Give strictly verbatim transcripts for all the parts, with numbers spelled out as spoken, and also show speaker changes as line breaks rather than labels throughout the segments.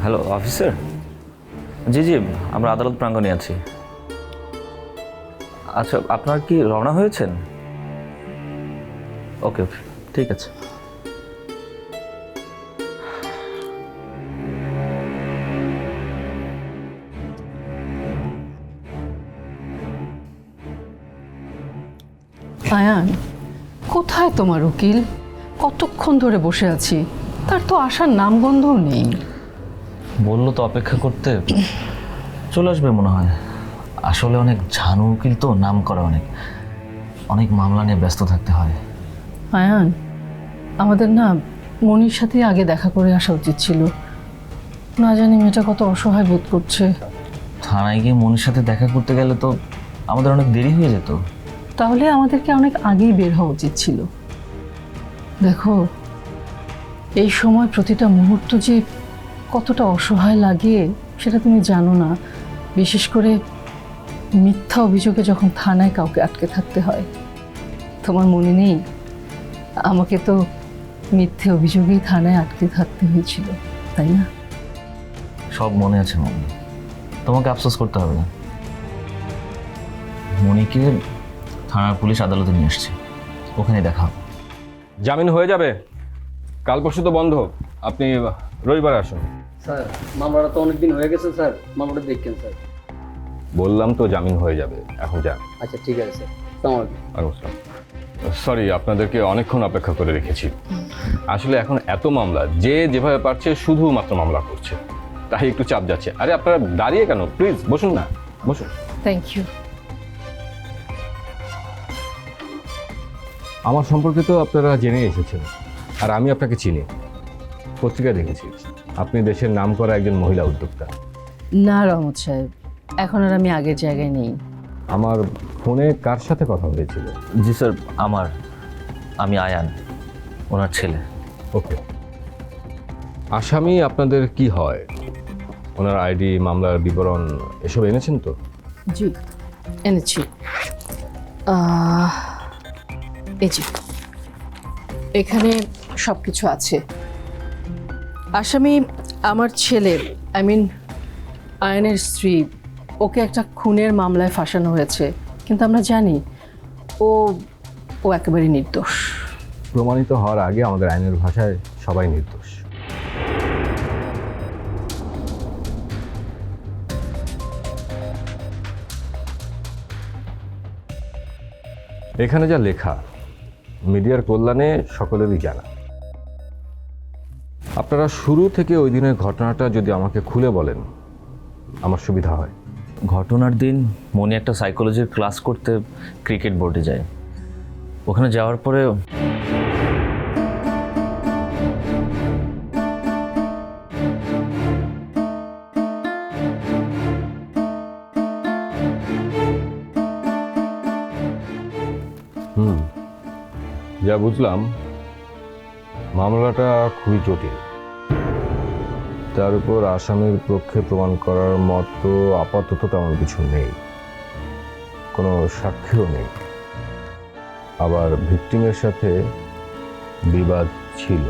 Hello officer. জি জি, আমরা আদালত প্রাঙ্গণে আছি। আচ্ছা, আপনার কি রওনা হয়েছেন? ওকে ওকে, ঠিক আছে।
আয়ান, কোথায় তোমার উকিল? কতক্ষণ ধরে বসে আছি, তার তো আসার নামগন্ধও নেই।
বললো তো অপেক্ষা করতে, চলে আসবে মনে হয়। আসলে অনেক ঝানু উকিল তো, নাম করা অনেক অনেক মামলা নিয়ে ব্যস্ত থাকতে হয়।
আয়ান, আমাদের না মনির সাথে আগে দেখা করে আসা উচিত ছিল। না জানি মেয়েটা কত অসহায় বোধ করছে।
থানায় গিয়ে মনির সাথে দেখা করতে গেলে তো আমাদের অনেক দেরি হয়ে যেত।
তাহলে আমাদেরকে অনেক আগেই বের হওয়া উচিত ছিল। দেখো, এই সময় প্রতিটা মুহূর্ত যে কতটা অসহায় লাগে সেটা তুমি জানো না। বিশেষ করে মিথ্যা অভিযোগে যখন থানায় কাউকে আটকে থাকতে হয়। তোমার মনে নেই, আমাকে তো মিথ্যে অভিযোগেই থানায় আটকে থাকতে হয়েছিল, তাই না?
সব মনে আছে মনি, তোমাকে আফসোস করতে হবে না। মনিকে থানার পুলিশ আদালতে নিয়ে আসছে, ওখানে দেখা হবে।
জামিন হয়ে যাবে, কাল পরশু তো বন্ধ, আপনি রবিবার আসুন।
স্যার মামলাটা তো অনেকদিন হয়ে গেছে স্যার, মামলাটা দেখছেন স্যার।
বললাম তো জামিন হয়ে যাবে, এখন যান।
আচ্ছা ঠিক আছে স্যার, আসসালামু আলাইকুম।
সরি, আপনাদেরকে অনেকক্ষণ অপেক্ষা করে রেখেছি। আসলে এখন এত মামলা, যে যেভাবে পারছে শুধুমাত্র মামলা করছে, তাই একটু চাপ যাচ্ছে। আরে আপনারা দাঁড়িয়ে কেন, প্লিজ বসুন না, বসুন।
Thank you.
আমার সম্পর্কে তো আপনারা জেনে এসেছেন, আর আমি আপনাকে চিনি, পত্রিকায় দেখেছি আপনি দেশের নামকরা একজন মহিলা উদ্যোক্তা।
না রহমত সাহেব, এখন আর আমি আগের জায়গায় নেই।
আমার ফোনে কার সাথে কথা হয়েছিল?
জি স্যার, আমার আমি আয়ান, ওনার ছেলে।
ওকে। আসামি আপনাদের কি হয়? ওনার আইডি, মামলার বিবরণ এসব এনেছেন তো?
জি এনেছি। আহ, এই যে এখানে সব কিছু আছে। আসামি আমার ছেলে, আই মিন আয়নের স্ত্রী। ওকে একটা খুনের মামলায় ফাঁসানো হয়েছে, কিন্তু আমরা জানি ও ও একেবারে নির্দোষ।
প্রমাণিত হওয়ার আগে আমাদের আইনের ভাষায় সবাই নির্দোষ। এখানে যা লেখা মিডিয়ার কল্যাণে সকলেরই জানা। আপনারা শুরু থেকে ওই দিনের ঘটনাটা যদি আমাকে খুলে বলেন আমার সুবিধা হয়।
ঘটনার দিন মনি একটা সাইকোলজির ক্লাস করতে ক্রিকেট বোর্ডে যায়। ওখানে যাওয়ার পরে
হুম, যা বুঝলাম মামলাটা খুবই জটিল। তার উপর আসামির পক্ষে প্রমাণ করার মতো আপাতত তেমন কিছু নেই, কোনো সাক্ষীও নেই। আবার ভিকটিমের সাথে বিবাদ ছিল,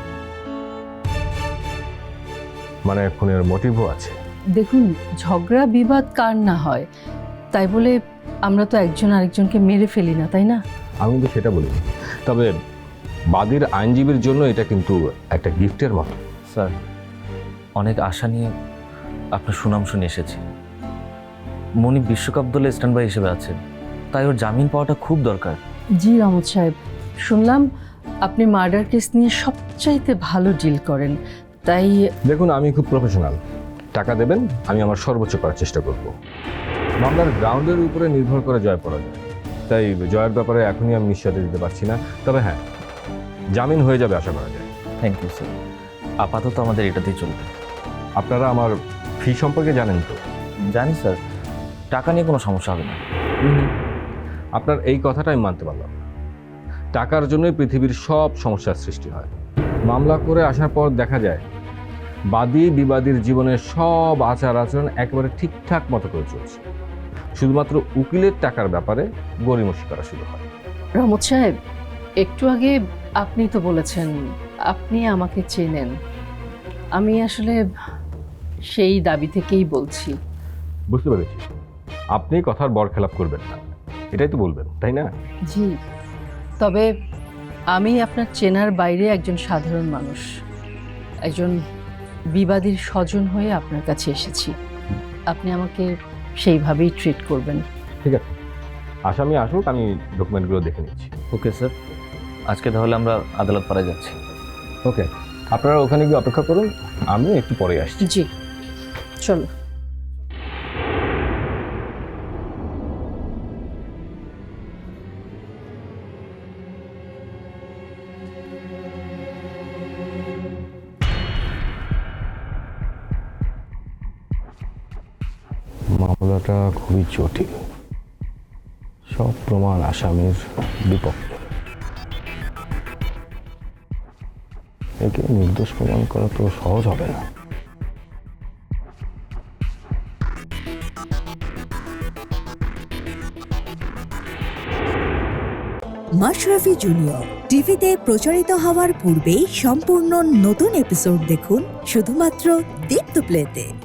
মানে খুনের মোটিভও আছে।
দেখুন, ঝগড়া বিবাদ কার না হয়, তাই বলে আমরা তো একজন আরেকজনকে মেরে ফেলি না, তাই না?
আমি তো সেটা বলিনি, তবে বাদীর আইনজীবীর জন্য এটা কিন্তু একটা গিফটের মতো।
স্যার, অনেক আশা নিয়ে আপনার সুনাম শুনে এসেছি। মনি বিশ্বকাপ দলে স্ট্যান্ড বাই হিসেবে আছে, তাই ওর জামিন পাওয়াটা খুব দরকার।
জি রহমত সাহেব, শুনলাম আপনি মার্ডার কেস নিয়ে সবচাইতে ভালো ডিল করেন, তাই
দেখুন আমি খুব প্রফেশনাল। টাকা দেবেন, আমি আমার সর্বোচ্চ করার চেষ্টা করব। মামলার গ্রাউন্ডের উপরে নির্ভর করে জয় পরাজয়, তাই জয়ের ব্যাপারে এখনই আমি নিশ্চয়তা দিতে পারছি না। তবে হ্যাঁ, জামিন হয়ে যাবে আশা করা যায়।
থ্যাংক ইউ স্যার, আপাতত আমাদের এটাতেই চলবে।
আপনারা আমার ফি সম্পর্কে জানেন তো?
জানি স্যার, টাকা নিয়ে কোনো সমস্যা হবে না।
আপনার এই কথাটা আমি মানতে পারলাম না। টাকার জন্যই পৃথিবীর সব সমস্যার সৃষ্টি হয়। মামলা করে আসার পর দেখা যায় বাদী বিবাদীর জীবনের সব আচার আচরণ একেবারে ঠিকঠাক মতো করে চলছে, শুধুমাত্র উকিলের টাকার ব্যাপারে গড়িমসি করা শুরু হয়।
রহমত সাহেব, একটু আগে আপনি তো বলেছেন আপনি আমাকে চেনেন। আমি আসলে সেই দাবি থেকেই বলছি।
বুঝতে পেরেছি, আপনি কথার বরখেলাপ করবেন না, এটাই তো বলবেন, তাই না?
জি, তবে আমি আপনার চেনার বাইরে একজন সাধারণ মানুষ, একজন বিবাদীর স্বজন হয়ে আপনার কাছে এসেছি। আপনি আমাকে সেইভাবেই ট্রিট করবেন।
ঠিক আছে, আসামি আসুক, আমি ডকুমেন্টগুলো দেখে নিচ্ছি।
ওকে স্যার, আজকে তাহলে আমরা আদালত পাড়ায় যাচ্ছি।
ওকে, আপনারা ওখানে গিয়ে অপেক্ষা করুন, আমি একটু পরে আসছি।
জি, চলো।
মামলাটা খুবই জটিল, সব প্রমাণ আসামির বিপক্ষে। একে নির্দোষ প্রমাণ করা তো সহজ হবে না।
মাশরাফি জুনিয়র টিভিতে প্রচারিত হওয়ার পূর্বেই সম্পূর্ণ নতুন এপিসোড দেখুন শুধুমাত্র দীপ্ত প্লেতে।